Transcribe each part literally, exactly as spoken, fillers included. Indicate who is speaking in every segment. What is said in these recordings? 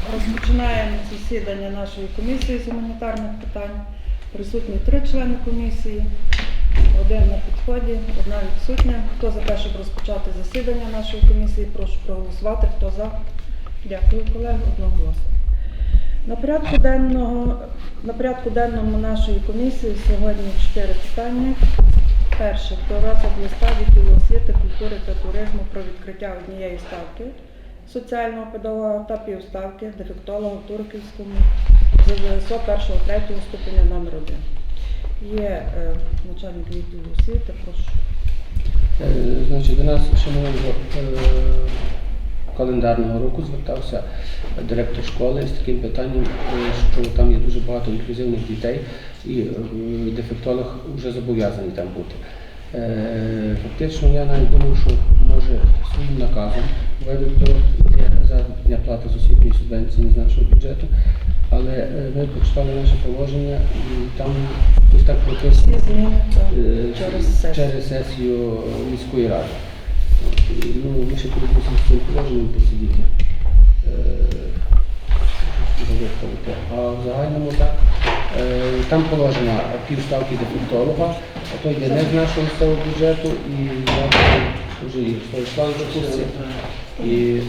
Speaker 1: Розпочинаємо засідання нашої комісії з гуманітарних питань. Присутні три члени комісії, один на підході, одна відсутня. Хто за те, щоб розпочати засідання нашої комісії, прошу проголосувати. Хто за? Дякую, колеги, одноголосно. На порядку денного, на порядку денному нашої комісії сьогодні чотири питання. Перше, про розгляд листа відділу освіти, культури та туризму про відкриття однієї ставки соціального педагога та півставки дефектолога в Турківському з ЗВСО першого-третього ступеня номер один. Є е, начальник відділу освіти, прошу.
Speaker 2: Е, значить, до нас ще минулого е, календарного року звертався директор школи з таким питанням, що там є дуже багато інклюзивних дітей і е, дефектолог вже зобов'язаний там бути. Е, фактично я навіть думав, що може своїм наказом введуть заробітна плата з освітньої субвенції з нашого бюджету, але е, ми почитали наше положення і там ось так прописано е,
Speaker 1: через сесію.
Speaker 2: через сесію міської ради. Ну, ми ще коли мусимо з цим положенням посидіти. Е, а в загальному так, е, там положена півставки дефектолога, а то йде не з нашого місцевого бюджету, і я вже і Славі в курсі. І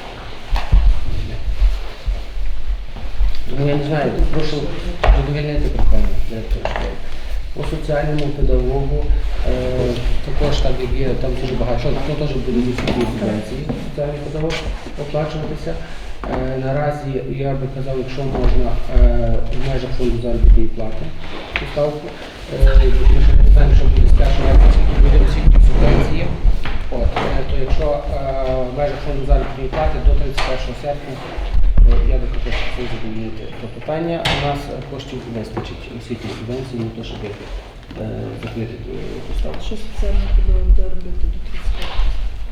Speaker 2: ну, я не знаю, прошу задовольнити питання директора школи. По соціальному педагогу е, також так як є, там дуже багато, що то теж буде відсутні субвенції, соціальний педагог оплачуватися. Е, наразі я би казав, якщо можна е, в межах фонду заробітної плати поставку, е, ми ще не знаємо, що буде з першого вересня, скільки буде освітні субвенції. От, е, то якщо е, в межах фонду заробітної плати до тридцять першого серпня, то я би хотів це задовольнити до питання. У нас коштів вистачить освітньої субвенції, не то, щоб е, закрити поставку.
Speaker 1: Що соціальний педагог буде робити до тридцять п'ятого?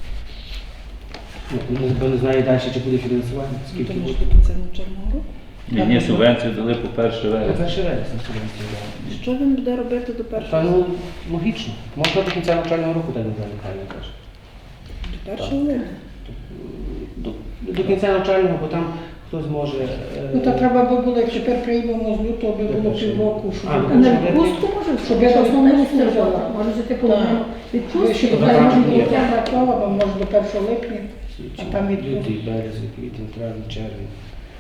Speaker 2: Ну, ніхто не знає далі, чи буде фінансування, скільки
Speaker 1: Тому
Speaker 2: буде.
Speaker 1: що до кінця навчального року?
Speaker 3: Ні, ні, субвенцію дали по перше вересня.
Speaker 2: Перший вересня субвенції дали.
Speaker 1: Що він буде робити до
Speaker 2: Та
Speaker 1: першого?
Speaker 2: ну, логічно. Можна до кінця навчального року, так Михайло каже.
Speaker 1: До першого липня?
Speaker 2: До, до кінця навчального, бо там хтось може... е,
Speaker 4: Ну, то треба би було, як тепер приймемо з лютого, би було півроку, щоб
Speaker 2: А,
Speaker 4: я
Speaker 2: ну,
Speaker 4: на
Speaker 2: щоб
Speaker 4: відпустку може, щоб я основному служила.
Speaker 5: Може взяти половину відпустки,
Speaker 4: Щоб
Speaker 2: Щоб
Speaker 4: я
Speaker 2: так,
Speaker 4: можу
Speaker 2: ні.
Speaker 4: до кінця того, бо може до першого липня.
Speaker 2: січень,
Speaker 4: а там відпустка.
Speaker 2: лютий, березень, квітень, травень, червень.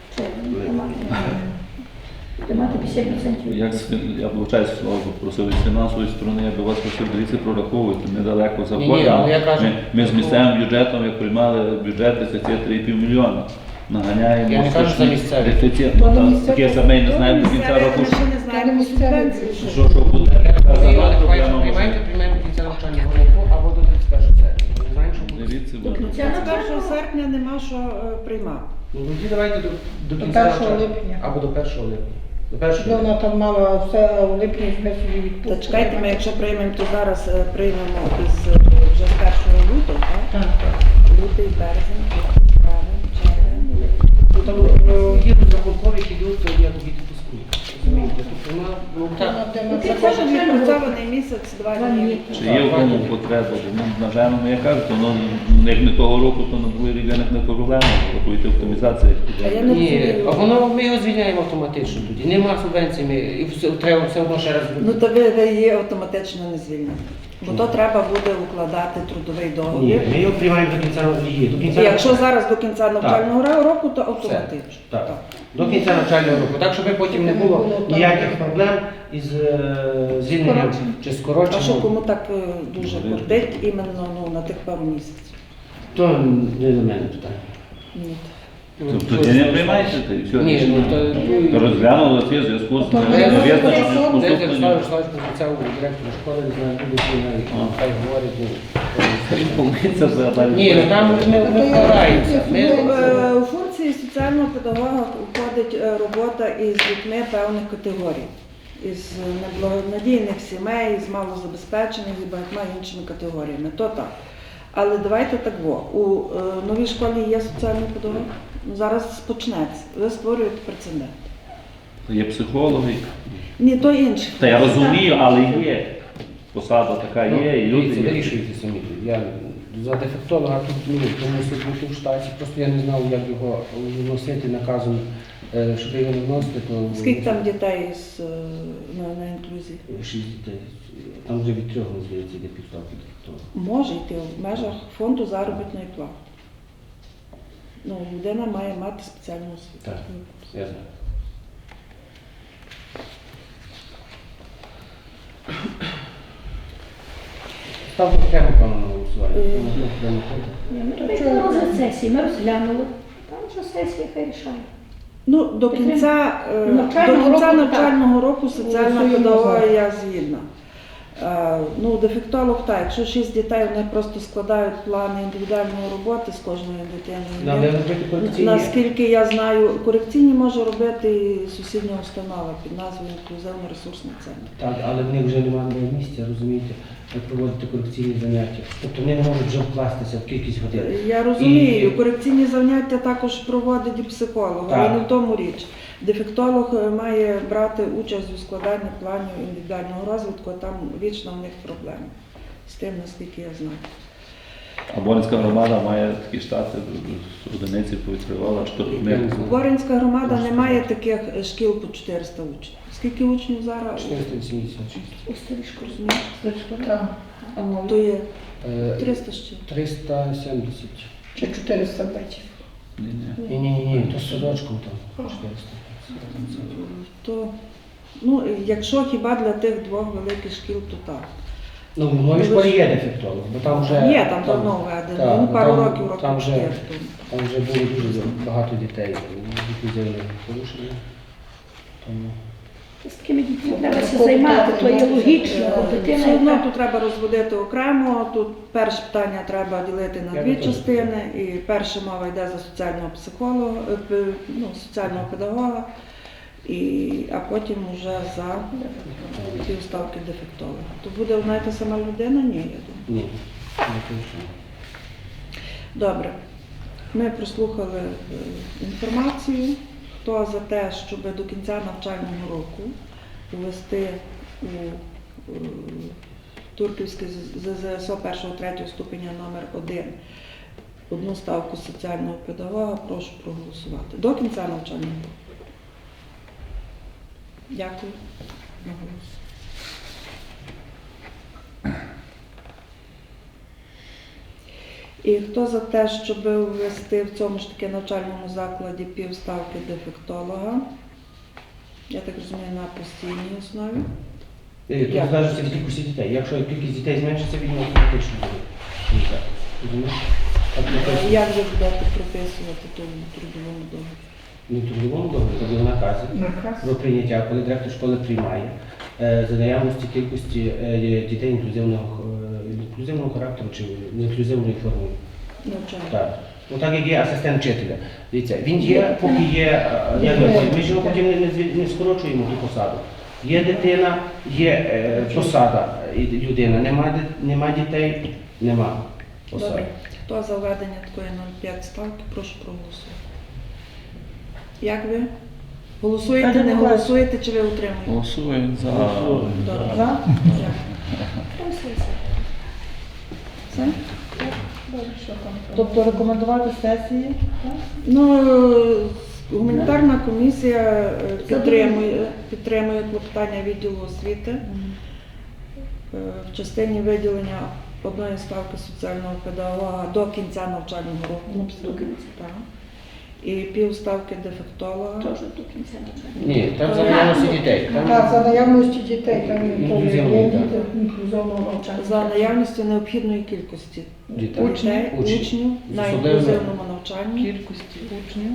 Speaker 5: Тримати п'ятдесят відсотків.
Speaker 3: Як з- я вибачаюсь, слово попросив з фінансової сторони, я би вас просив, дивіться, прораховуйте, недалеко
Speaker 2: Ні, ні, але я
Speaker 3: заходимо.
Speaker 2: кажу,
Speaker 3: Ми, ми з
Speaker 2: такого-
Speaker 3: місцевим бюджетом, як приймали бюджет, дефіцит три і пів мільйона. Наганяємо.
Speaker 2: Я не кажу за
Speaker 3: страшний
Speaker 2: місцевий.
Speaker 3: дефіцит.
Speaker 4: Бо
Speaker 3: Ну,
Speaker 4: на
Speaker 3: там
Speaker 4: місцевий-
Speaker 3: таке саме і не знаємо до кінця
Speaker 1: Місцеві
Speaker 3: року.
Speaker 1: ми ще не
Speaker 4: Та не
Speaker 1: знаємо
Speaker 4: місцеві.
Speaker 1: субвенції.
Speaker 3: Що, що буде?
Speaker 2: Але
Speaker 3: Проблема
Speaker 2: приймаємо,
Speaker 3: може.
Speaker 2: приймаємо до кінця навчального року або до тридцять першого серпня. Ми не знаємо, що буде.
Speaker 3: Дивіться,
Speaker 5: До
Speaker 3: буде.
Speaker 5: кінця
Speaker 1: З першого серпня нема що е, приймати.
Speaker 2: Ну, тоді давайте до, до
Speaker 4: До
Speaker 2: кінця
Speaker 4: першого
Speaker 2: навчального.
Speaker 4: липня.
Speaker 2: Або до першого липня. До
Speaker 4: Щоб
Speaker 2: першого липня.
Speaker 4: вона там мала все в липні себе собі відпустку.
Speaker 1: Та чекайте, ми якщо приймемо, то зараз е, приймемо із е, вже з першого лютого, так?
Speaker 4: Так.
Speaker 1: Лютий, березень, квітень, травень, червень.
Speaker 2: Ну, там е, є розрахункові, які йдуть, то я тобі відпускую. Розумієте? Тобто вона, ну, так.
Speaker 4: Вона де
Speaker 1: Ну,
Speaker 4: на
Speaker 1: Це
Speaker 4: це
Speaker 1: кожен відпрацьований місяць, два
Speaker 5: Два
Speaker 1: дні.
Speaker 5: дні.
Speaker 3: Чи є в тому потреба? Ну, на жаль, ну, я кажу, то, ну, як не того року, то на другий рік виникне не проблема, рахуйте оптимізація.
Speaker 1: А я не
Speaker 2: Ні,
Speaker 1: розумію.
Speaker 2: а воно ми його звільняємо автоматично тоді. Нема субвенцій, ми і все, треба все одно ще раз.
Speaker 1: Ну то ви, ви її автоматично не звільните. Бо то треба буде укладати трудовий
Speaker 2: Ні,
Speaker 1: договір.
Speaker 2: ми його приймаємо до кінця її. До
Speaker 1: І
Speaker 2: кінця
Speaker 1: якщо зараз до кінця навчального року, то
Speaker 2: Все.
Speaker 1: автоматично.
Speaker 2: Так. До кінця навчального року. Так, щоб потім не було ніяких проблем із е, звільненням чи
Speaker 1: А що
Speaker 2: скороченням.
Speaker 1: кому так е, дуже кортить іменно ну, на тих пару місяців?
Speaker 2: То не до мене питання.
Speaker 1: Ні.
Speaker 3: Тобто ти не приймаєте, та й все
Speaker 2: Ні, ну
Speaker 3: рішення.
Speaker 2: то...
Speaker 3: То розглянули це в зв'язку з
Speaker 4: То ми
Speaker 3: невизначеним
Speaker 4: розглянули.
Speaker 2: Дайте
Speaker 3: поступленням.
Speaker 2: Славі Славич пообіцяв директору школи, не знаю, буде чи навіть, хай говорить.
Speaker 3: Помиться за далі.
Speaker 2: Ні, ну там ми ми впораємося.
Speaker 1: Ну,
Speaker 2: Ми-
Speaker 1: е, у функції соціального педагога входить е, робота із дітьми певних категорій. Із неблагонадійних сімей, з малозабезпечених і багатьма іншими категоріями. То так. Але давайте так во. У е, новій школі є соціальний педагог. Ну, зараз почнеться. Ви створюєте прецедент.
Speaker 3: Є психологи.
Speaker 1: Ні, то інше.
Speaker 3: Та я розумію, але є. Посада така є, і
Speaker 2: Дивіться,
Speaker 3: люди є.
Speaker 2: вирішуйте самі. Я за дефектолога тут ну, мусить бути в штаті, просто я не знав, як його вносити наказом, е, щоб його не вносити, то
Speaker 1: Скільки там дітей з, е, на, на інклюзії?
Speaker 2: шість дітей. Там вже від трьох, здається, йде півставки дефектолога.
Speaker 1: Може йти в межах фонду заробітної плати. Ну, людина має мати спеціальну освіту.
Speaker 2: Так, я знаю. Ставте окремо пану на голосування.
Speaker 1: Е.
Speaker 2: Тому що туди не ходить.
Speaker 5: Ні, ми прийшли на розгляд сесії, ми розглянули. Там вже сесія хай рішає.
Speaker 1: Ну, до кінця, е,
Speaker 5: Навчального
Speaker 1: до кінця
Speaker 5: року,
Speaker 1: навчального року соціальна
Speaker 4: Голосуємо
Speaker 1: педагога
Speaker 4: за.
Speaker 1: я згідна. Е, Ну, дефектолог так, якщо шість дітей, вони просто складають плани індивідуальної роботи з кожною
Speaker 2: Нам
Speaker 1: дитиною.
Speaker 2: не робити корекційні.
Speaker 1: Наскільки я знаю, корекційні може робити і сусідня установа під назвою інклюзивно-ресурсний центр.
Speaker 2: Так, але в них вже немає місця, розумієте, проводити корекційні заняття. Тобто вони не можуть вже вкластися в кількість годин.
Speaker 1: Я розумію,
Speaker 2: І-
Speaker 1: корекційні заняття також проводить і психолог, але
Speaker 2: Так.
Speaker 1: не в тому річ. Дефектолог е, має брати участь у складанні планів індивідуального розвитку, а там вічно в них проблеми. З тим, наскільки я знаю.
Speaker 3: А Боринська громада має такі штати, одиниці повідкривала, чи то
Speaker 2: Я
Speaker 3: не
Speaker 2: не знаю.
Speaker 1: Боринська громада не має таких е, шкіл по чотириста учнів. Скільки учнів зараз?
Speaker 2: чотириста вісімдесят шість.
Speaker 5: У старішку.
Speaker 1: Розумієш?
Speaker 4: Так. А мов?
Speaker 1: То є
Speaker 2: Е,
Speaker 1: триста ще.
Speaker 2: триста сімдесят.
Speaker 4: Чи чотириста бачив?
Speaker 3: Ні, ні.
Speaker 2: Ні, ні, ні, ні, то з садочком там. чотириста.
Speaker 1: То, ну, якщо хіба для тих двох великих шкіл, то так.
Speaker 2: Ну, в новій школі є дефектолог, бо там вже...
Speaker 1: Є, там давно введено,
Speaker 2: так,
Speaker 1: ну, пару
Speaker 2: там-
Speaker 1: років, років
Speaker 2: там вже-
Speaker 1: чотири тому.
Speaker 2: Там вже було дуже багато дітей з інклюзивним порушенням. Тому...
Speaker 5: З такими дітьми треба се займати, то є логічно, бо
Speaker 1: Все
Speaker 5: дитина
Speaker 1: одно
Speaker 5: яка-
Speaker 1: тут треба розводити окремо. Тут перше питання треба ділити на
Speaker 2: Я
Speaker 1: дві
Speaker 2: би теж.
Speaker 1: частини. І перша мова йде за соціального психолога, е, п- ну, соціального педагога, і, а потім вже за півставки дефектолога. То буде одна і та сама людина? Ні, я думаю.
Speaker 2: Ні, не точно.
Speaker 1: Добре. Ми прослухали е, інформацію. Хто за те, щоб до кінця навчального року ввести у е, Турківське ЗЗСО першого-третього ступеня номер один одну ставку соціального педагога, прошу проголосувати. До кінця навчального року. Дякую. На голос. І хто за те, щоб ввести в цьому ж таки навчальному закладі півставки дефектолога? Я так розумію, на постійній основі.
Speaker 2: Е, Тут
Speaker 1: Як?
Speaker 2: залежить від кількості дітей. Якщо кількість дітей зменшиться, він автоматично буде. Ні, так. Розумієш? Так, не
Speaker 1: А
Speaker 2: точно.
Speaker 1: як ви будете прописувати тому трудовому договорі?
Speaker 2: Не в трудовому договорі, тобто в наказі
Speaker 4: Наказ.
Speaker 2: про прийняття, коли директор школи приймає е, за наявності кількості е, дітей інклюзивного, е, інклюзивного характеру чи інклюзивної форми.
Speaker 1: Навчання.
Speaker 2: Так. Ну так як є асистент вчителя. Дивіться, він є, поки є, е, як ми кажемо, ми ж його потім не, не, зві- не скорочуємо ту посаду. Є дитина, є е, посада і людина, нема, ди- нема дітей, нема посади.
Speaker 1: Добре. Хто за введення такої нуль п'ять ставки, прошу проголосувати. Як ви? Голосуєте,
Speaker 4: Каже
Speaker 1: не
Speaker 4: Миколай.
Speaker 1: голосуєте, чи ви утримуєте?
Speaker 3: Голосуємо за.
Speaker 1: Добре.
Speaker 4: За?
Speaker 1: Дякую.
Speaker 5: Там сесія.
Speaker 1: Все?
Speaker 5: Добре, що там.
Speaker 4: Тобто рекомендувати сесії?
Speaker 1: Ну, е, гуманітарна комісія е, підтримує, підтримує клопотання відділу освіти е, в частині виділення одної ставки соціального педагога до кінця навчального року.
Speaker 5: До кінця.
Speaker 1: Так. І півставки дефектолога.
Speaker 5: Теж до кінця навчання.
Speaker 2: Ні, там за наявності дітей. Там
Speaker 4: Так, за наявності дітей, там є
Speaker 2: Інклюзивного,
Speaker 4: є
Speaker 2: так.
Speaker 4: діти інклюзивного навчання.
Speaker 1: За наявністю необхідної кількості
Speaker 2: дітей.
Speaker 1: дітей,
Speaker 2: Учнів.
Speaker 1: учнів
Speaker 2: З
Speaker 1: на
Speaker 2: особливими-
Speaker 1: інклюзивному навчанні.
Speaker 6: Кількості учнів.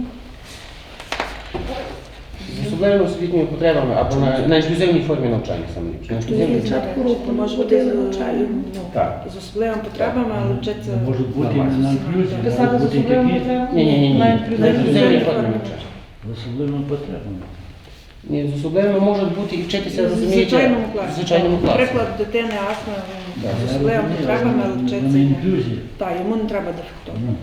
Speaker 2: З особливими освітніми потребами або на, на інклюзивній формі навчання саме ліпше. На інклюзивній-
Speaker 5: Початку року
Speaker 1: Може бути з,
Speaker 5: ходили навчання.
Speaker 1: ну,
Speaker 2: Так.
Speaker 1: з особливими потребами, але вчиться
Speaker 7: Може бути
Speaker 2: Нормально.
Speaker 7: на інклюзії,
Speaker 4: Писати
Speaker 7: може
Speaker 4: з
Speaker 7: бути
Speaker 4: особливими
Speaker 7: такі
Speaker 4: потребами?
Speaker 2: Ні, ні, ні, ні.
Speaker 4: На
Speaker 2: На
Speaker 4: інклюзивній
Speaker 2: інклюзивній
Speaker 1: формі
Speaker 2: формі
Speaker 1: навчання.
Speaker 2: навчання.
Speaker 7: з особливими потребами.
Speaker 2: Ні, з особливими можуть бути і вчитися,
Speaker 1: в
Speaker 2: розумієте,
Speaker 1: звичайному класі.
Speaker 2: в звичайному класі.
Speaker 1: Наприклад, дитини астма
Speaker 2: Так.
Speaker 1: з особливими потребами, але
Speaker 7: На
Speaker 1: вчиться.
Speaker 7: інклюзії.
Speaker 1: Так, йому не треба дефектолога.
Speaker 7: Ну,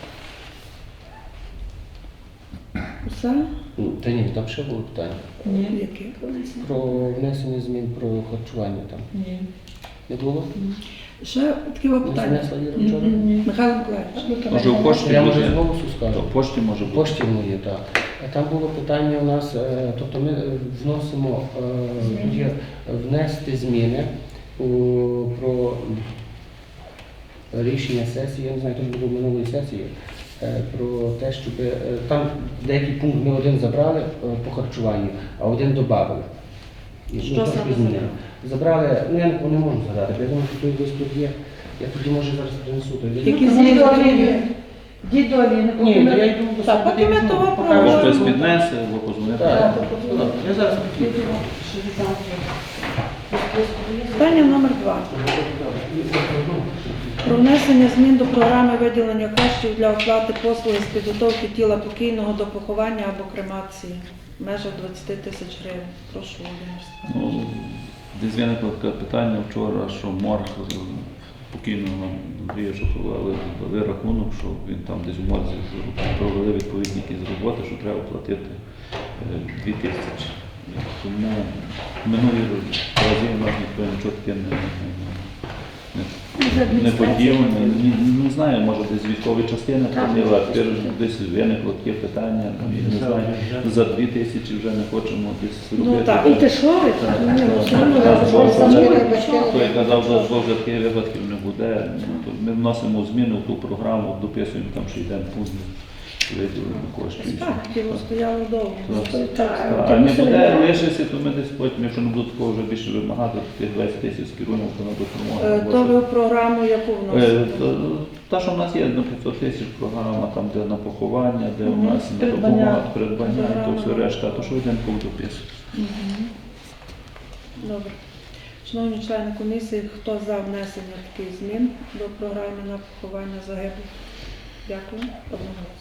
Speaker 1: Все?
Speaker 2: Ну, Та ні, там ще було питання.
Speaker 4: Ні.
Speaker 1: Яке?
Speaker 2: Про внесення змін про харчування там.
Speaker 4: Ні.
Speaker 2: Не було?
Speaker 1: Ще таке питання.
Speaker 2: Занесла Іра вчора?
Speaker 1: Михайло Миколаївич.
Speaker 3: Може в пошті
Speaker 2: Я може
Speaker 3: буде?
Speaker 2: з голосу
Speaker 3: То
Speaker 2: скажу.
Speaker 3: в пошті може
Speaker 2: В
Speaker 3: бути.
Speaker 2: пошті моє, так. А там було питання у нас, е, тобто ми е, вносимо е, є внести зміни у, про рішення сесії, я не знаю, то було минулої сесії, е, про те, щоб е, там деякий пункт ми один забрали е, по харчуванню, а один додали. І,
Speaker 1: Що
Speaker 2: ну,
Speaker 1: саме
Speaker 2: трошки змінили. Забрали, ну я не, не можу згадати, бо я думаю, що той лист тут є. Я тоді може зараз принесу той лист.
Speaker 1: Які
Speaker 5: Ну,
Speaker 1: зміни
Speaker 5: дідові,
Speaker 1: потрібні?
Speaker 5: дідові, не
Speaker 2: Ні, то я
Speaker 5: поки
Speaker 2: йду до
Speaker 1: Так,
Speaker 2: себе,
Speaker 1: поки ми
Speaker 2: дивлюсь,
Speaker 1: того
Speaker 2: покажу.
Speaker 3: Може
Speaker 1: проговоримо.
Speaker 3: хтось піднесе, або позвонити.
Speaker 2: Так, ну, я зараз підійду.
Speaker 1: Питання номер два. Про внесення змін до програми виділення коштів для оплати послуги з підготовки тіла покійного до поховання або кремації в межах двадцять тисяч гривень. Прошу, Володимир Степанович.
Speaker 3: Ну, десь виникло таке питання вчора, що морг е, покійного Андрія Шуховали дали рахунок, що він там десь у морзі провели відповідні якісь роботи, що треба платити е, дві тисячі. Тому минулі рази у нас ніхто нічого таке не, не, не, не подіяв. Не, не, не знаю, може десь військові частини платили, а тепер десь виникло таке питання, я не знаю, за дві тисячі вже не хочемо десь робити.
Speaker 1: Ну, так.
Speaker 5: І ти що ви?
Speaker 3: Так,
Speaker 5: Ну,
Speaker 3: так,
Speaker 5: все одно
Speaker 3: так,
Speaker 5: ви
Speaker 3: так,
Speaker 5: самі
Speaker 3: так.
Speaker 5: робите.
Speaker 3: Той казав, що вже таких випадків не буде. Ну, то ми вносимо зміни в ту програму, дописуємо там ще йдемо пункт виділення коштів.
Speaker 1: Так, тіло стояло довго.
Speaker 3: Так.
Speaker 5: Так,
Speaker 3: А не
Speaker 5: тому
Speaker 3: буде
Speaker 5: що-
Speaker 3: лишитися, то ми десь потім, якщо не буде такого вже більше вимагати, то тих двадцять тисяч скеруємо то на
Speaker 1: Е,
Speaker 3: допомогу.
Speaker 1: То ви в програму яку
Speaker 3: Е,
Speaker 1: вносите?
Speaker 3: то- Та, що в нас є на п'ятсот тисяч програма, там де на поховання, де у
Speaker 1: Мгм.
Speaker 3: нас на
Speaker 1: Придбання.
Speaker 3: допомога, придбання, і то
Speaker 1: Програма.
Speaker 3: все решта, то що йдемо по допису.
Speaker 1: Добре. Шановні члени комісії, хто за внесення таких змін до програми на поховання загиблих? Дякую. Одноголосно.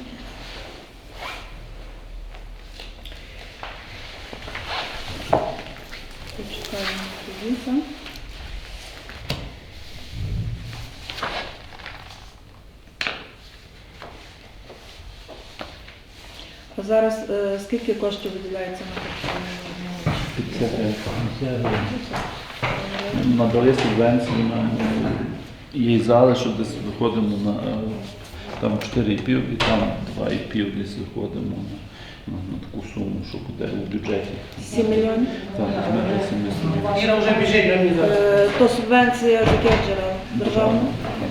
Speaker 1: Почекаємо тоді. А зараз е, скільки коштів виділяється на харчування?
Speaker 3: Надали субвенції нам її зали, що десь виходимо на е, там чотири і пів і там два і пів десь виходимо на, на, на таку суму, що буде у бюджеті.
Speaker 1: сім мільйонів?
Speaker 3: Так, ми вісім
Speaker 2: Іра вже біжить, на мені зараз.
Speaker 1: Е, То субвенція з яких джерел? Державна?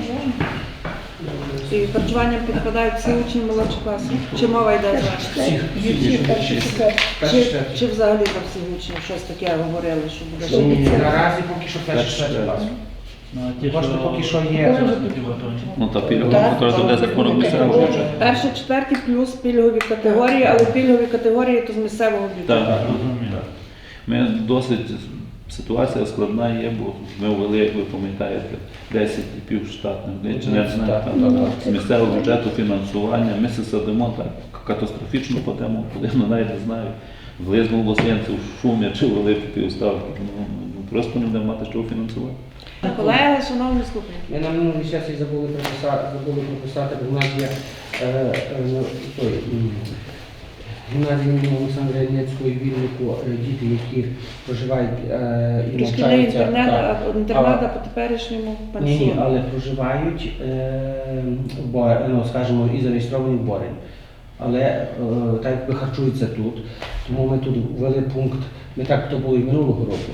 Speaker 1: І харчуванням підпадають всі учні молодших класів? Чи мова йде за?
Speaker 2: Всіх, всіх, всіх.
Speaker 1: Чи, чи взагалі за всіх учнів щось таке говорили, що буде?
Speaker 2: Ні, наразі поки що перший
Speaker 3: Перший
Speaker 2: перший клас.
Speaker 7: Ну, а ті,
Speaker 2: Кошти
Speaker 7: що-
Speaker 2: поки що є.
Speaker 3: Ну та пільгова,
Speaker 1: Так.
Speaker 3: яка туди законом місцевого бюджету.
Speaker 1: Перші, четверті плюс пільгові категорії, але пільгові категорії то з місцевого бюджету.
Speaker 3: Так.
Speaker 7: Розумію.
Speaker 3: Ми досить ситуація складна є, бо ми ввели, як ви пам'ятаєте, десять півштатних одиниць, чи не знаю,
Speaker 2: Так,
Speaker 3: там,
Speaker 2: так, так.
Speaker 3: з місцевого бюджету фінансування. Ми се садимо так катастрофічно падемо, коли ну, навіть не знаю, в Лизьму Лосенців, в Шумі чи великі півставки. Ну, ну, просто не будемо мати що фінансувати.
Speaker 1: Колеги, шановні слухання.
Speaker 2: Ми на минулій сесії забули прописати, забули прописати, бо в нас є е, е, ну, той, м, гімназія імені Олександра Ільницького і Вільнику, е, діти, які проживають е, і
Speaker 1: Шкільний
Speaker 2: навчаються.
Speaker 1: інтернет,
Speaker 2: так.
Speaker 1: а інтернат, а по теперішньому
Speaker 2: Ні, ні,
Speaker 1: пансіон.
Speaker 2: але проживають е, в Бор- ну, скажімо, і зареєстровані в Борень. Але е, так якби харчуються тут, тому ми тут ввели пункт, ми так то було і минулого року.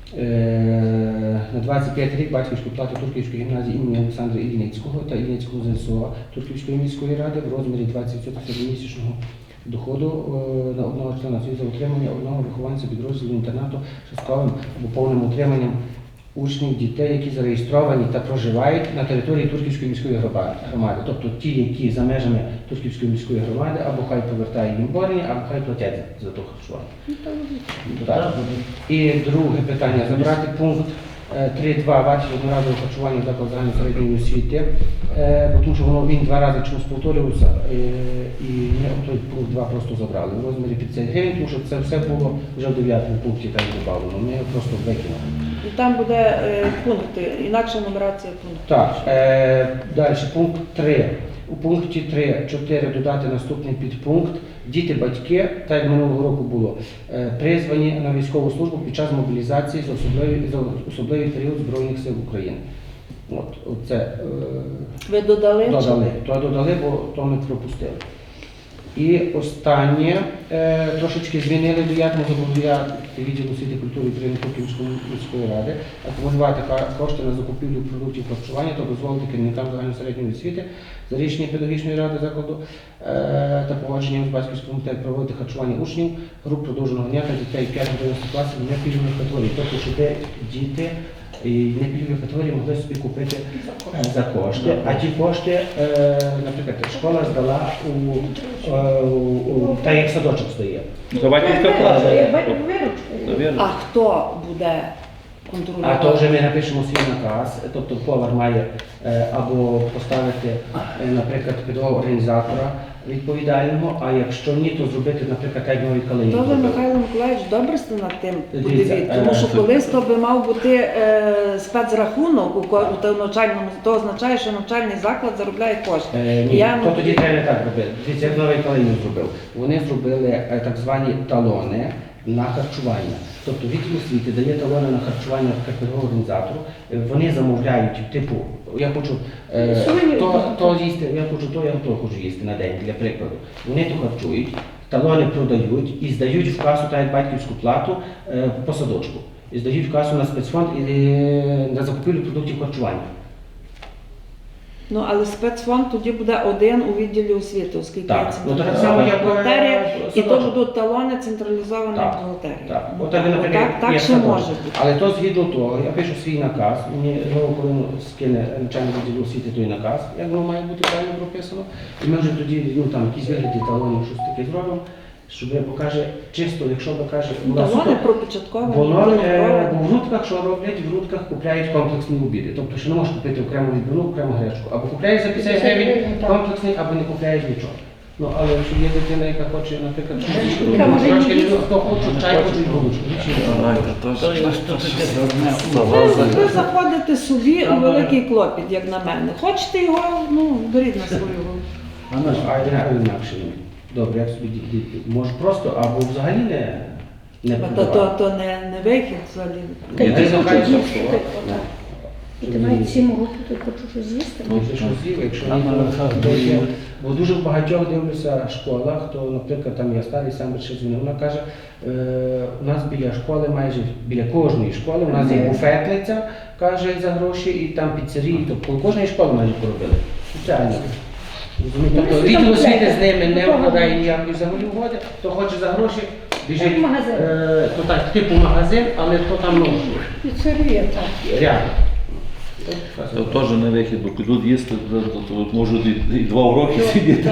Speaker 2: Е, На двадцять п'ятий рік батьківську плату Турківської гімназії імені Олександра Ільницького та Ільницького ЗСО Турківської міської ради в розмірі двадцять відсотків середньомісячного доходу е, на одного члена за утримання одного вихованця підрозділу інтернату частковим або повним утриманням учнів, дітей, які зареєстровані та проживають на території Турківської міської гроба- громади. Тобто ті, які за межами Турківської міської громади, або хай повертають їм борені, або хай платять за то харчування. Так. І друге питання, забрати пункт е, три точка два вартість одноразового харчування закладу загальної середньої освіти, е, бо тому що воно він два рази чомусь повторювався, е, і ми той пункт два просто забрали в розмірі п'ятдесят гривень, тому що це все було вже в дев'ятому пункті так додавлено, ми його просто викинули.
Speaker 1: І там буде е, пункти, інакша нумерація пунктів.
Speaker 2: Так, е, далі пункт три. У пункті три чотири додати наступний підпункт. Діти, батьки, так як минулого року було, е, призвані на військову службу під час мобілізації за особливий, за особливий період Збройних сил України. От, оце, е,
Speaker 1: Ви додали? чи-
Speaker 2: додали, то додали, бо то ми пропустили. І останнє, е, трошечки змінили до як можливо відділу освіти, культури і України Київської міської ради, акумулювати ка- кошти на закупівлю продуктів харчування та дозволити керівникам загальносередньої освіти за рішенням педагогічної ради закладу е, та погодженням з батьківським комітетом проводити харчування учнів груп продовженого дня та дітей п'ять-одинадцять класів не пільгових категорій, тобто щоб діти і не пільгові категорії могли собі купити е, за кошти, а ті кошти, е, наприклад, школа здала у, е, у, у та як садочок стоїть.
Speaker 3: За батьківська плата.
Speaker 5: Як батько виручка.
Speaker 3: Вірно.
Speaker 1: А хто буде
Speaker 2: А
Speaker 1: контролювати?
Speaker 2: то вже ми напишемо свій наказ, тобто повар має е, або поставити, е, наприклад, педагога організатора відповідального, а якщо ні, то зробити, наприклад, як нові калині.
Speaker 1: То ви,
Speaker 2: зробили.
Speaker 1: Михайло Миколаївич, добре сте над тим
Speaker 2: Дивіться,
Speaker 1: подивіться, тому
Speaker 2: е,
Speaker 1: що колись то би мав бути е, спецрахунок у ко- у тому навчальному, то означає, що навчальний заклад заробляє кошти.
Speaker 2: Е,
Speaker 1: І
Speaker 2: ні,
Speaker 1: я,
Speaker 2: то
Speaker 1: ну,
Speaker 2: тоді треба не так робити. Дивіться, як новий калинів зробив. Вони зробили е, так звані талони на харчування. Тобто відділ освіти дає талони на харчування педагогу організатору, Е, вони замовляють, типу, я хочу е,
Speaker 5: Сувенір.
Speaker 2: то, то їсти, я хочу то, я то хочу їсти на день, для прикладу. Вони то харчують, талони продають і здають в касу та як батьківську плату е, по садочку. І здають в касу на спецфонд і е, на закупівлю продуктів харчування.
Speaker 1: ну, але спецфонд тоді буде один у відділі освіти, оскільки
Speaker 2: Так,
Speaker 1: є
Speaker 2: ну, так
Speaker 1: централізована
Speaker 2: само, як, е,
Speaker 1: бухгалтерія, і то
Speaker 2: садочок.
Speaker 1: будуть талони централізованої
Speaker 2: Так,
Speaker 1: бухгалтерії.
Speaker 2: Так,
Speaker 1: Ну,
Speaker 2: отак,
Speaker 1: так,
Speaker 2: наприклад,
Speaker 1: так, так
Speaker 2: є
Speaker 1: ще
Speaker 2: садочок.
Speaker 1: може бути.
Speaker 2: Але то згідно того, я пишу свій наказ, мені знову коли скине начальник відділу освіти той наказ, як воно має бути правильно прописано, і ми вже тоді ну, там, якісь вигляді талонів, щось таке зробимо, щоб я покаже чисто, якщо ви каже, у нас
Speaker 1: Талони
Speaker 2: суто-
Speaker 1: пропочатковані,
Speaker 2: воно
Speaker 1: будуть
Speaker 2: е,
Speaker 1: проведені.
Speaker 2: бо в грудках, що роблять, в грудках купляють комплексні обіди. Тобто, що не можеш купити окрему відбивну, окрему гречку. Або купляєш за п'ятдесят гривень комплексний, або не купляєш нічого. Ну, але якщо є дитина, яка хоче, наприклад,
Speaker 5: Яка може
Speaker 2: трошки,
Speaker 5: їсти.
Speaker 2: хто хоче, чай хоче, голубчик.
Speaker 7: То є що таке дурне
Speaker 1: Ви, ви заходите собі у великий клопіт, як на мене. Хочете його, ну, беріть на свою голову.
Speaker 2: Ну, а я інакше. Добре, як собі діти. Може просто, або взагалі не, не
Speaker 1: То, то,
Speaker 2: продавати.
Speaker 1: то не, не вихід взагалі.
Speaker 5: Та
Speaker 2: Я
Speaker 5: й
Speaker 2: десь
Speaker 5: ти
Speaker 2: нехай
Speaker 5: хочеш їсти,
Speaker 2: просто,
Speaker 5: ти
Speaker 2: ну,
Speaker 5: отак. І
Speaker 2: щоб
Speaker 5: ти
Speaker 2: ні.
Speaker 5: маєш сім років, ти хочеш щось з'їсти.
Speaker 2: Ну, це що з'їв, якщо
Speaker 7: Там
Speaker 2: ні, то-
Speaker 7: на
Speaker 2: то є.
Speaker 7: Рахах
Speaker 2: Бо дуже в багатьох дивлюся школах, то, наприклад, там я старий сам ще дзвонив, вона каже, е, у нас біля школи, майже біля кожної школи, у нас є буфетниця, каже, за гроші, і там піцерії, тобто кожної школи майже поробили. Спеціально. Розумієте?
Speaker 5: Ну,
Speaker 2: Тобто
Speaker 5: ми
Speaker 2: відділ
Speaker 5: там
Speaker 2: освіти з ними
Speaker 5: до
Speaker 2: не
Speaker 5: того-
Speaker 2: вкладає ніякої взагалі угоди, то хоче за гроші, біжить,
Speaker 5: Як магазин.
Speaker 2: е, то так, типу магазин, але то там, ну,
Speaker 4: Піцерія, так.
Speaker 2: реально.
Speaker 3: Це теж не вихід, бо підуть їсти, то, то, то можуть і, і два уроки сидіти.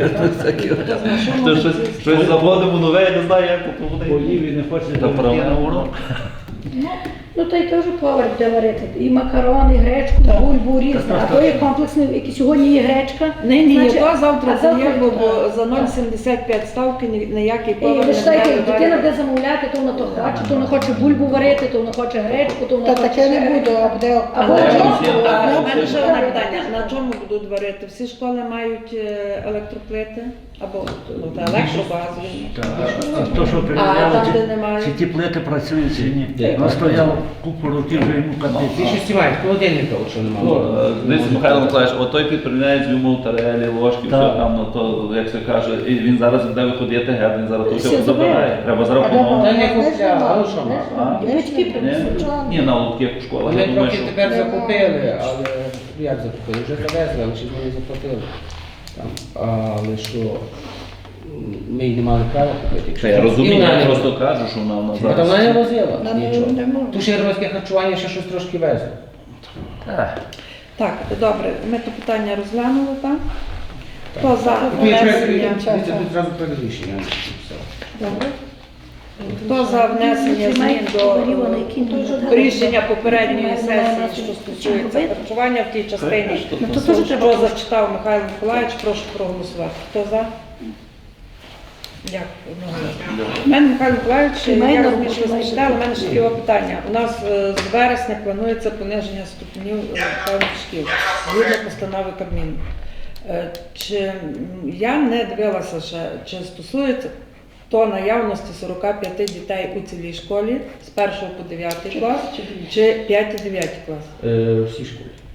Speaker 3: То щось, щось заводимо нове, я не знаю, як то буде.
Speaker 7: Поїв і не хоче
Speaker 3: Та
Speaker 7: йти
Speaker 3: правда.
Speaker 7: на урок.
Speaker 5: Ну, то й теж повар буде варити. І макарони, і гречку, бульбу, різне. А то є комплексний, який сьогодні є гречка.
Speaker 1: Ні, ні,
Speaker 5: значить,
Speaker 1: то завтра
Speaker 5: а
Speaker 1: це є,
Speaker 5: завтра-
Speaker 1: бо, бо за нуль сімдесят п'ять ставки ні- ніякий
Speaker 5: І
Speaker 1: повар
Speaker 5: ви
Speaker 1: не
Speaker 5: ж знаєте,
Speaker 1: буде
Speaker 5: дитина
Speaker 1: варити.
Speaker 5: буде замовляти, то вона то хоче, то вона хоче бульбу варити, то вона хоче гречку, то вона
Speaker 4: Та
Speaker 5: хоче...
Speaker 4: таке не буде, а буде
Speaker 5: Або
Speaker 3: Але
Speaker 5: чому?
Speaker 3: всі-
Speaker 1: А в мене ще одне
Speaker 5: Так.
Speaker 1: питання. На чому будуть варити? Всі школи мають е, електроплити? Або ну, та електробазові?
Speaker 7: А то, що
Speaker 1: А
Speaker 7: перевіряли,
Speaker 1: там, де
Speaker 7: чи,
Speaker 1: немає?
Speaker 7: чи ті плити працюють, чи ні.
Speaker 2: Де?
Speaker 7: Воно стояло купу років вже йому капець.
Speaker 2: Більшості мають холодильника, от що немає.
Speaker 3: Е, Дивіться, Михайло Миколаївич, от той підприємець йому тарелі, ложки, все
Speaker 7: Так.
Speaker 3: там, ну то, як це каже, і він зараз буде виходити геть, він зараз то
Speaker 5: Всі
Speaker 3: все забирає.
Speaker 5: забирають.
Speaker 3: Треба
Speaker 4: А
Speaker 3: зарахувати.
Speaker 2: Та не купляв, а ну що мав?
Speaker 3: А?
Speaker 5: І батьки
Speaker 3: Ні?
Speaker 5: принесуть.
Speaker 3: Ні, на лотки як у школах.
Speaker 2: Вони
Speaker 3: Я думаю,
Speaker 2: трохи
Speaker 3: що
Speaker 2: тепер закупили, але як закупили? Вже завезли, але ще ж вони заплатили. Там, але що м, ми й не мали права купити. якщо
Speaker 3: Та я
Speaker 2: це- І
Speaker 3: розумію,
Speaker 2: вона
Speaker 3: я
Speaker 2: не-
Speaker 3: просто кажу, що вона, вона
Speaker 2: А та вона не
Speaker 3: зараз.
Speaker 2: возила
Speaker 4: Вона не-
Speaker 2: нічого.
Speaker 4: не може.
Speaker 2: Ту ще європейське харчування ще щось трошки везли.
Speaker 1: Так, добре, ми то питання розглянули, так? Хто за
Speaker 2: Ну, якщо я-
Speaker 1: внесення?
Speaker 2: дивіться, тут зразу проект рішення. все.
Speaker 1: Добре. Хто за внесення змін до
Speaker 5: Говорила, на якій
Speaker 1: е, рішення попередньої сесії, що стосується харчування в тій частині,
Speaker 5: Ну, то теж треба
Speaker 1: що зачитав Михайло Миколаївич, прошу проголосувати. Хто за? Дякую. одноголосно. У мене Михайло Миколаївич,
Speaker 5: Сімейна
Speaker 1: я
Speaker 5: робота,
Speaker 1: розумію, що ви
Speaker 5: майже
Speaker 1: зачитали, у
Speaker 5: так.
Speaker 1: мене ще таке питання. У нас е, з вересня планується пониження ступенів е, певних шкіл згідно постанови Кабміну. Е, Чи м, я не дивилася ще, чи стосується то наявності сорок п'ять дітей у цілій школі з першого по дев'ятий клас, чи п'ятий дев'ятий клас?
Speaker 2: Е, Всі школи.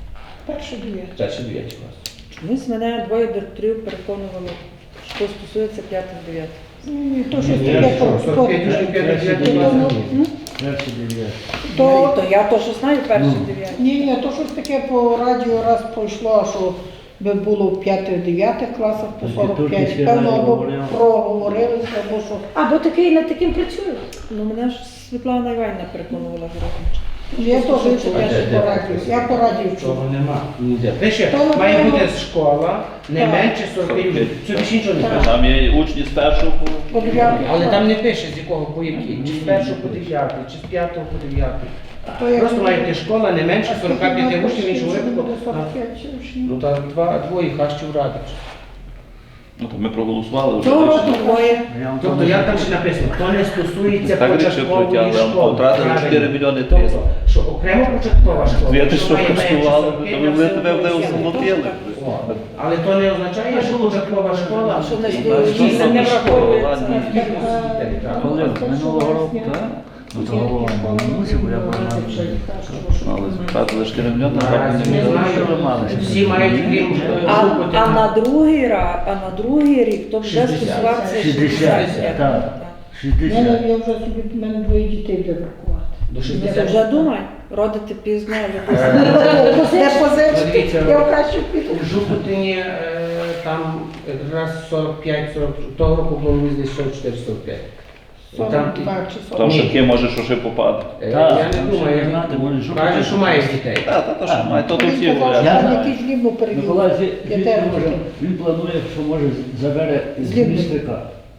Speaker 4: Перший дев'ятий.
Speaker 2: Перші дев'яті класи.
Speaker 1: Чомусь мене двоє директорів переконували, що стосується п'ятих-дев'ятих.
Speaker 4: Ні, то щось
Speaker 2: Ні,
Speaker 4: таке
Speaker 2: що,
Speaker 4: по
Speaker 2: сорок п'ять учнів, п'ятий, дев'ятий
Speaker 4: То-
Speaker 2: клас, ні.
Speaker 7: Перший дев'ятий.
Speaker 1: То,
Speaker 4: То,
Speaker 1: то я теж знаю перші
Speaker 7: Ну.
Speaker 1: дев'яті.
Speaker 4: ні, ні, то щось таке по радіо раз пройшло, що би було в п'ятих-дев'ятих класах по
Speaker 7: Тоді
Speaker 4: сорок
Speaker 7: тільки
Speaker 4: п'ять.
Speaker 7: ще
Speaker 4: Певно,
Speaker 7: радіо
Speaker 4: або
Speaker 7: говорило.
Speaker 4: проговорилися, або що.
Speaker 5: Або такий над таким працює.
Speaker 1: Ну мене ж Світлана Іванівна переконувала Городнича.
Speaker 4: Я теж чула, що
Speaker 2: Де, де?
Speaker 4: по радіо. Я по радіо чула.
Speaker 2: Того нема. Ніде. Пише,
Speaker 4: То,
Speaker 2: має
Speaker 4: напевно,
Speaker 2: бути школа не
Speaker 4: так.
Speaker 2: менше сорок п'ять учнів. Це більше нічого не
Speaker 4: Так.
Speaker 2: пише.
Speaker 3: Там є учні з першого по
Speaker 4: По дев'ятий
Speaker 2: Але
Speaker 4: клас.
Speaker 2: там не пише, з якого по який. Чи з першого по дев'ятий, чи з п'ятого по дев'ятий.
Speaker 4: То як
Speaker 2: Просто
Speaker 4: буде?
Speaker 2: має бути школа не менше сорок п'ять учнів, іншого
Speaker 4: Буде
Speaker 2: випадку.
Speaker 4: сорок п'ять учнів.
Speaker 2: Ну так два, двоє хащів радить.
Speaker 3: ну, то ми проголосували вже.
Speaker 1: Цього
Speaker 3: рішення.
Speaker 1: року двоє.
Speaker 7: Я вам
Speaker 2: Тобто як там ще написано, то не стосується
Speaker 3: Так рішив
Speaker 2: початкової
Speaker 3: пройти, але
Speaker 2: школи.
Speaker 3: втратили
Speaker 2: Правильно.
Speaker 3: чотири мільйони триста.
Speaker 2: Тобто, що окремо початкова школа.
Speaker 3: Дві ти
Speaker 2: що
Speaker 3: що
Speaker 2: має менше
Speaker 3: коштували,
Speaker 2: сорок
Speaker 3: то
Speaker 2: п'ять,
Speaker 3: ми
Speaker 2: все
Speaker 3: тебе
Speaker 2: одно
Speaker 3: не
Speaker 2: всі.
Speaker 3: осумотили.
Speaker 2: О, але то не означає, що початкова школа,
Speaker 1: Що не
Speaker 2: і
Speaker 1: стоїть,
Speaker 2: ті
Speaker 1: що
Speaker 2: самі
Speaker 1: не
Speaker 2: школи,
Speaker 1: враховується.
Speaker 2: ладно, і дітей, так.
Speaker 7: Коли минулого року, так? Ну, то голова не мусив, бо я прогнав.
Speaker 3: Але втратили чотири мільйони,
Speaker 2: Наразі не
Speaker 3: а
Speaker 2: знаю. Всі мають крім
Speaker 1: А,
Speaker 2: групи.
Speaker 1: а на другий раз, а на другий рік то вже
Speaker 2: шістдесят.
Speaker 1: стосувався
Speaker 7: шістдесят,
Speaker 1: шістдесят.
Speaker 7: так.
Speaker 4: У мене,
Speaker 7: шістдесят.
Speaker 4: я вже собі, в мене двоє дітей буде врахувати.
Speaker 2: До
Speaker 1: Ти
Speaker 2: шістдесят.
Speaker 1: вже думай, родити пізно, любити.
Speaker 2: Е,
Speaker 4: Не позичити,
Speaker 2: Дивіться,
Speaker 4: я в кращу піду.
Speaker 2: У Жупутині е, там якраз сорок п'ять сорок, того року було десь сорок чотири сорок п'ять.
Speaker 4: сорок
Speaker 2: Там,
Speaker 4: два чи
Speaker 3: Там
Speaker 4: сорок.
Speaker 3: шибки може, що ще попаде.
Speaker 2: е,
Speaker 7: Так,
Speaker 2: я
Speaker 7: там
Speaker 2: не
Speaker 7: ще
Speaker 2: думаю,
Speaker 7: не знати, може,
Speaker 2: я
Speaker 7: Жупутин.
Speaker 2: каже, що має дітей.
Speaker 3: Так, так, то що має, то то всі
Speaker 4: Він казав,
Speaker 3: говорять.
Speaker 4: що там
Speaker 7: Я-
Speaker 4: якийсь лібо перевів.
Speaker 7: Миколай
Speaker 4: Я
Speaker 7: Звідти
Speaker 4: теж
Speaker 7: може,
Speaker 4: хотів.
Speaker 7: він планує, що може забере з
Speaker 4: Звідти.
Speaker 7: містика,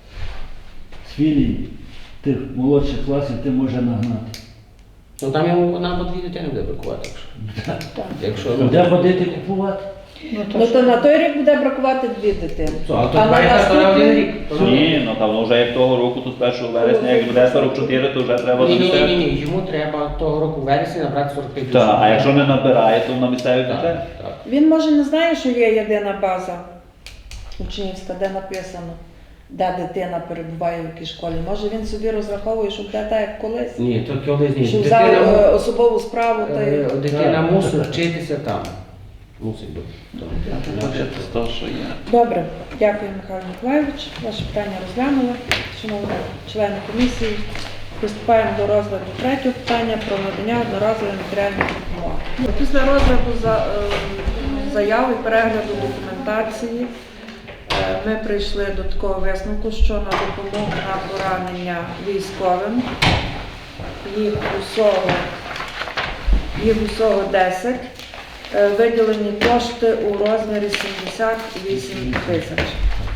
Speaker 7: з філій тих молодших класів, ти може нагнати.
Speaker 2: Ну там йому нам по дві дитини буде бракувати.
Speaker 4: Так.
Speaker 2: Якщо
Speaker 7: Де ходити купувати?
Speaker 4: Ну, то
Speaker 1: Ну
Speaker 4: що?
Speaker 1: то на той рік буде бракувати дві дитини.
Speaker 2: а
Speaker 1: А
Speaker 2: тут
Speaker 1: на
Speaker 2: має на один
Speaker 1: наступний
Speaker 2: рік.
Speaker 3: Ні, ну там вже як того року, то з першого вересня, як буде сорок чотири, то вже треба
Speaker 2: Ні, ні, ні, ні,
Speaker 3: замістити.
Speaker 2: ні, йому треба того року в вересні набрати сорок п'ять
Speaker 3: Так, а
Speaker 2: учнів.
Speaker 3: якщо не набирає, то на місцеві
Speaker 2: Так,
Speaker 3: бюджет.
Speaker 2: так.
Speaker 1: Він може не знає, що є єдина база учнівська, де написано, де дитина перебуває в якій школі. Може він собі розраховує, що буде так, як колись.
Speaker 2: Ні, то колись ні.
Speaker 1: Що взяв
Speaker 2: Дитина,
Speaker 1: е, особову справу та й.
Speaker 2: е, дитина мусить вчитися там. Мусить бути.
Speaker 3: З того, що є.
Speaker 1: Добре, дякую, Михайло Миколайович. Ваше питання розглянули. Шановні члени комісії, приступаємо до розгляду третього питання про надання одноразової матеріальної допомоги. Після розгляду за, е, заяв і перегляду документації е, ми прийшли до такого висновку, що на допомогу на поранення військовим їх усього, їх усього десять. Е, Виділені кошти у розмірі сімдесят вісім тисяч.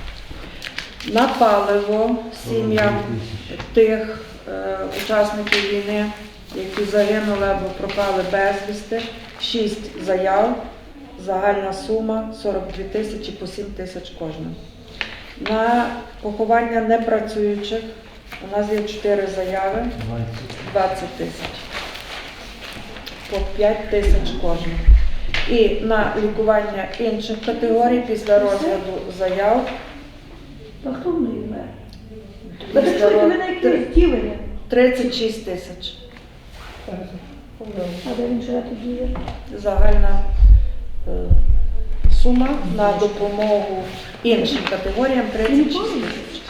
Speaker 1: На паливо сім'ям тих е, учасників війни, які загинули або пропали безвісти, шість заяв, загальна сума сорок дві тисячі по сім тисяч кожна. На поховання непрацюючих у нас є чотири заяви, двадцять тисяч, по п'ять тисяч кожна. І на лікування інших категорій після розгляду заяв
Speaker 5: Та хто в неї вмер? Ви
Speaker 1: після
Speaker 5: чуєте, ви на
Speaker 1: роз-
Speaker 5: якесь втілення?
Speaker 1: тридцять шість тисяч.
Speaker 5: А де він живе тоді? є?
Speaker 1: Загальна е, сума на допомогу іншим категоріям тридцять шість тисяч.